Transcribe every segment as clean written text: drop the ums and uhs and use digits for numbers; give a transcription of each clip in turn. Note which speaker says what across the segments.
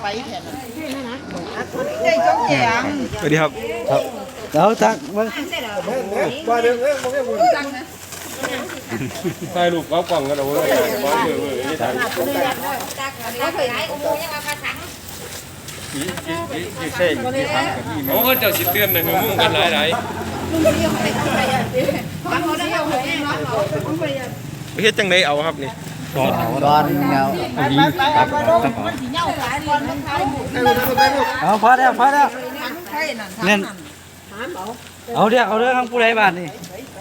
Speaker 1: แทนใจจงแจง
Speaker 2: สวัสดีครับ
Speaker 3: ครับแล้วทักมา
Speaker 2: ถ่ายรูปเอากล่องกันเอาไว้ก่อนนี่ถ่ายโอ้เจ้าสิเตือนนะมุ่งกันหลายเฮ็ดจังไดเอาครับนี่
Speaker 3: ดอนเงาเอาพอแล้วเล่นเอาเรื่องของผู้ใดบ้านนี่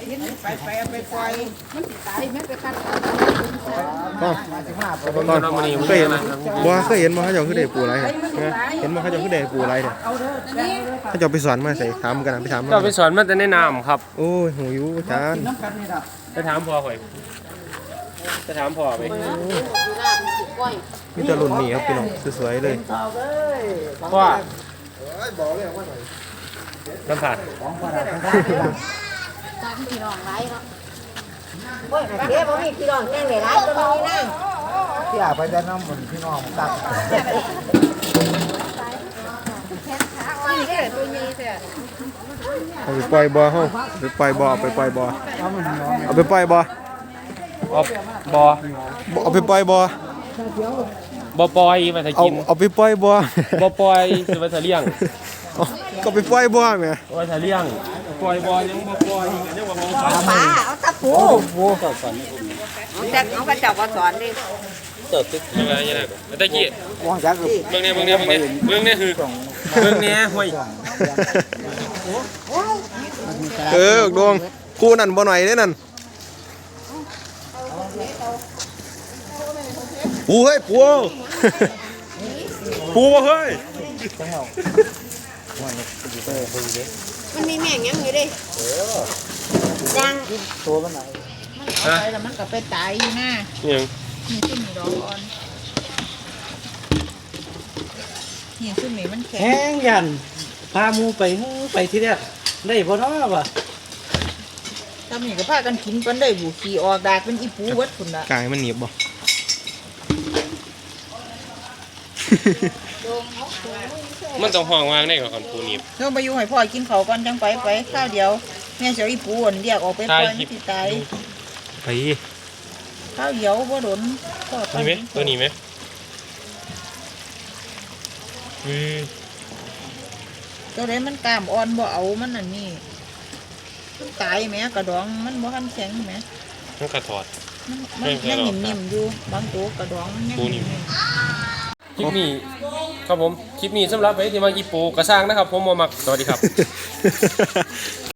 Speaker 2: ตอนมื้อนี้เคยเห็นบ่เคยเห็นบ่เขาเจ้าคือได้ปูอะไรเห็นบ่เขาเจ้าคือได้ปูอะไรเนี่ยเขาเจ้าไปสอนมาใส่ถามกันไปถามเจ้าไปสอนมาแต่ในน้ำครับโอ้ยหูอยู่อาจารย์ไปถามพ่อข่อยไปถามพ่อไปมีแต่รุ่นนี้ครับพี่น้องสวยๆเลยพ่อน้ำผัด
Speaker 4: ตามพี่น้องไรเนาะโอ้ยเดี๋ยวผมมีพี่น้องแน่เลยไรก็มีนั่ง
Speaker 3: ที่อาไปจะน้ำเหมือนพี่น้องตัก
Speaker 2: เอาไปปล่อยบ่อเฮาไปปล่อยบ่อไปปล่อยบ่อเอาไปปล่อยบ่อเอาบ่อเอาไปปล่อยบ่อบ่ปล่อยมาถ้ากินเอาไปปล่อยบ่อบ่ปล่อยสิว่าถ้าเลี้ยงก็ไปปล่อยบ่อแม่ว่าถ้าเลี้ยงปล่อยบ่อยังบ่ปล่อยยังบ่มองฟ้า
Speaker 4: ป้าเอาตะปูจากน้องพระเจ้าก็สอนดิ
Speaker 2: ยังไงยังไงตะกี้
Speaker 3: วางจักร
Speaker 2: เบิ่งเนี่ยคือเบิ่งเนี่ยห้วยดวงคู่นั่นบ่หน่อยเด้นั่นปูเฮ้ยปูปูบ่เฮ้ย
Speaker 4: มันมีแม่งยังอยู่ดิยัง
Speaker 3: ตัวมันไหน
Speaker 1: มันไปแล้วมันก็ไปตายอยู่หน้า
Speaker 2: ยัง
Speaker 1: นี่ขึ้นนี่ดอกอ่อนนี่ขึ้นนี่มันแข็ง
Speaker 3: แห้งยันพามูไปที่เนี่ยได้พอเนาะป่ะ
Speaker 1: ทำนี่ก็พากันกินกันได้บุขี่ออกดากเป็นอีปูวัดคุณละ
Speaker 2: กายมันหนีบบ่ มันต้องห้องวางได้ก่อนปูหนีบ
Speaker 1: เราไปอยู่ให้พ่อกินเขาวก่อนจังไปข้าวเดียวแม่เสียวอีปูอ่อนเรียกออกไปปล่อยมันสิตาย
Speaker 2: ไป
Speaker 1: ข้าวเดียวบ่โดนทอด
Speaker 2: นี่ไหมตัวนี้ไหม
Speaker 1: ตัวไหนมันกล้ามอ่อนบ่เอามันอันนี้มันตายแหมกระดองมันบ่ทันแข็งแหม
Speaker 2: มันกระถอด
Speaker 1: มันยังนิ่มๆอยู่บางตัวกระดองมันยังนิ่ม
Speaker 2: คลิปนี้ครับผมคลิปนี้สำหรับไว้ที่มาอีปูกระสร้างนะครับผมมามักสวัสดีครับ